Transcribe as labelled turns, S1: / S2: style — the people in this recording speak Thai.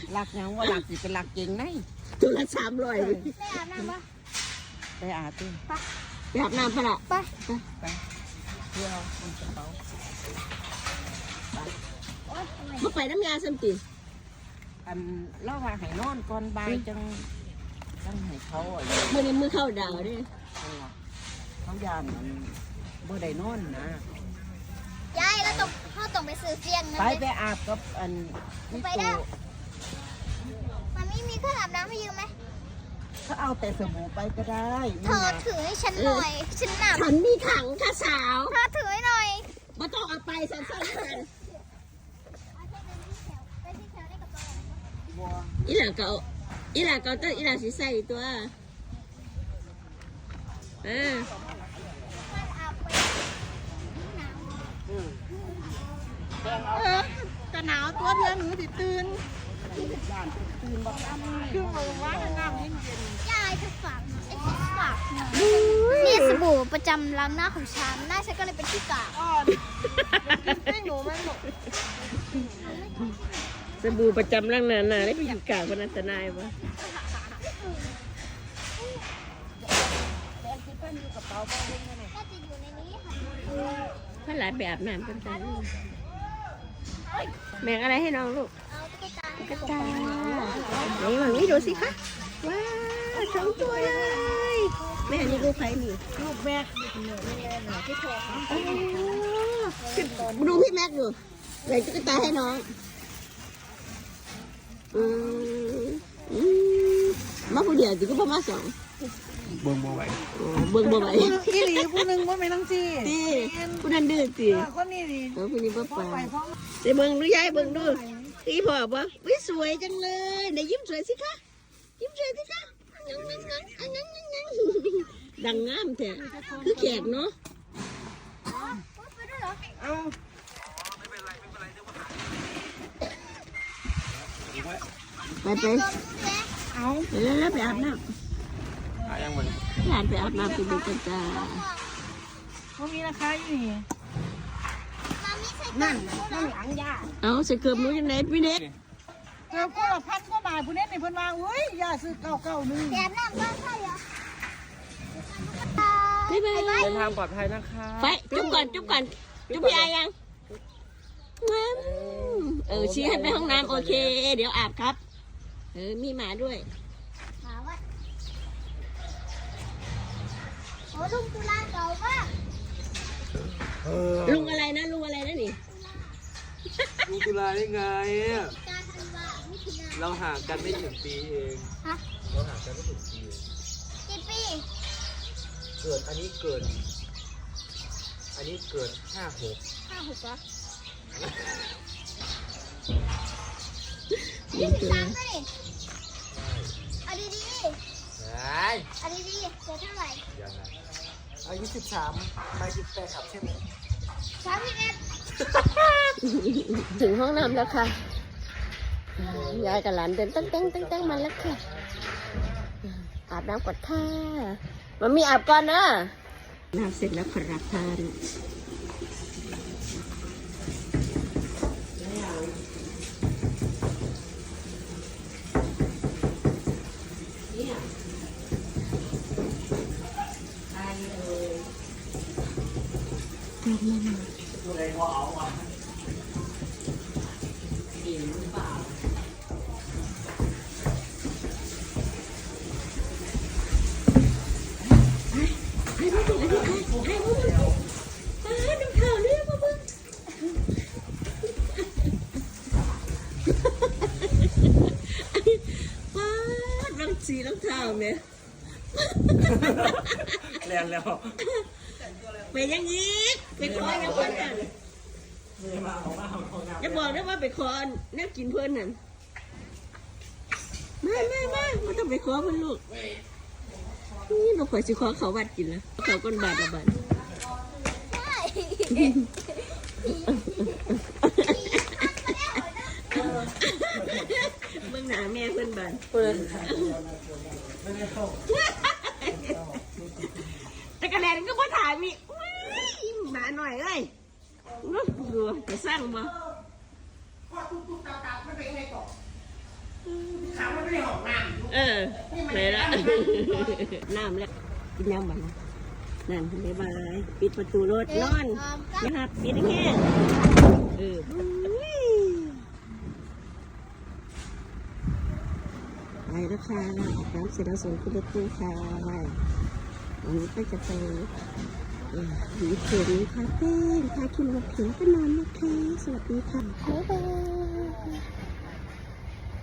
S1: หลักยังว่าหลักสิเป็นหลักเก่งไง
S2: ตัวละ300
S3: ไปอาบน้ำปะ
S1: ไปอาบด้วย
S2: ไปอาบน้ำปะล่ะ
S3: ไป
S1: เพื่อเอาคนกระเป๋า
S2: มาไปน้ำยาสัมติ
S1: อันเล่าว่าให้นอนก่อนบ่ายจังให้เขาอะไร
S2: มือเข้าดาวดิ
S1: เขายานมันบ่ได้นอนนะ
S3: ยายแล้วต้องไปซื้อเตียงนะ
S1: ไปอาบกับอันนี่ตัว
S3: มันไม่มีเครื่องอาบน้ำให้ยืมไหม
S1: เขาเอาแต่สบู่ไปก็ได้
S3: เธอถือให้ฉันหน่อยฉันหนัก
S2: ฉันมีถังค่ะสาว
S3: เธอถือให้หน่อย
S2: มาต้องเอาไปสั้นๆกันอีหล่าเก่าต้องอีหล่าสีใส่ตัว
S1: จะหนาวตัวเดียวหนูติตื่นตื่นบอกคือมือว่าน้ำเย็น
S3: ยายจะฝากนี่สบู่ประจำล้างหน้าของฉันหน้าฉันก็เลยเป็นที่กาก
S1: อ่อนกินหนูไหมหนู
S2: สบู่ประจำร่างนานาได้ไปอยู่กลางพนันตนายวะ
S3: ก็จะอยู่ในนี้ค่ะ
S2: พ่อหลานไปอาบน้ำกันจ้าแบ่งอะไรให้น้องลูก
S3: เอาตุ๊กตา
S2: กระตาไหนหวังนี่ดูสิคะว้าว2 ตัวเลยแม่นี่ลูกใครนี่
S1: ลูกแม่ที่โทรหา
S2: ดูพี่แม็กดูแบ่งตุ๊กตาให้น้องมาผู้เดียวจิก็ประมาณ2เบิ่งบ่ไหว
S1: พี่หลีผู้หนึ่งว่าไม่ต้องจี
S2: ตีผู้นั้นดื้อตี
S1: คนนี้ดิ
S2: ผู้นี้ป้าป่าเดี๋ยวเบิ่งดูยายเบิ่งดูตีพ่อบ่วิสวยจังเลยไหนยิ้มสวยสิคะยิ้มสวยสิคะดังงามแท้คือแขกเนาะ
S3: ไปด้วยเหรอ
S1: เอา
S2: ไป
S1: เอา
S2: แล้วไปอาบน้ำหลานไปอาบน้ำไปดูกันจ้า
S1: เขามีราคาอยู่นี่
S3: มามิใส่
S1: นั่นหลังยา
S2: เอาใส่เกือบนู้นยังไงพี่เน็ต
S1: เกือบก็1,000 กว่าบาทผู้เน็ตในเพิ่นว่าอุ้ยยาซื้อ991
S3: แกมน้ำบ้านใช่เหรอ
S2: บ๊ายบาย
S1: เดินทางปลอดภัยนะคะ
S2: ไปจุ๊บก่อนจุ๊บพี่อายังชี้ให้ไปห้องน้ำโอเคเดี๋ยวอาบครับมีหมาด้วย
S3: หาว่าโอ้ลุงตุลาเก่ามาก
S2: ลุงอะไรนะนี่
S4: ลุงตุลาได้ไงอะ
S3: การธันวามิถุนา
S4: เราห่างกันไม่ถึงปีเอง
S3: ฮะ
S4: เราห่างกันไม่ถึงปีเอง
S3: กี่ปี
S4: อันนี้เกิด56
S3: 5-6เหรอ23ก็ดิเอาดี
S4: ไอ้
S3: ๆเอาดีๆเจอเท่าไหร่
S4: ยังไงอายุ13ไป18ครับใช่ไหม
S3: 31
S2: ถึงห้องน้ำแล้วค่ะยายกับหลานเดินตั้งมาแล้วค่ะอาบน้ำก่อนค่ะมันมีอาบก่อนนะน้ำเสร็จแล้วครับท่านสีรองเท้าไหม
S4: เรียนแล้ว
S2: ไปยังยีกไปขอยังเพื่อนกันจะบอกได้ว่าไปขอแนบกินเพื่อนนั่นไม่ต้องไปขอเพื่อนลูกนี่เราขอสิขอเขาวัดกินแล้วเขาก้นบาทละบาทเบื้องหน้าแม่เพื่อนบาทแต่กระแดนก็พอถ่ายมีหมาหน่อยเลยดูจะสร้างมาเลยละน้ำแล้วกินน้ำมันนั่นบ๊ายบายปิดประตูรถนอนนะครับปิดแค่ไปแล้วค่ะน้ำเสร็จแล้วส่งขึ้นรถตู้ค่ะวันนี้ก็จะไปหวีเข็มคาเฟ่พาคิมกับเข็มก็นอนนะคะสวัสดีค่ะบ๊ายบาย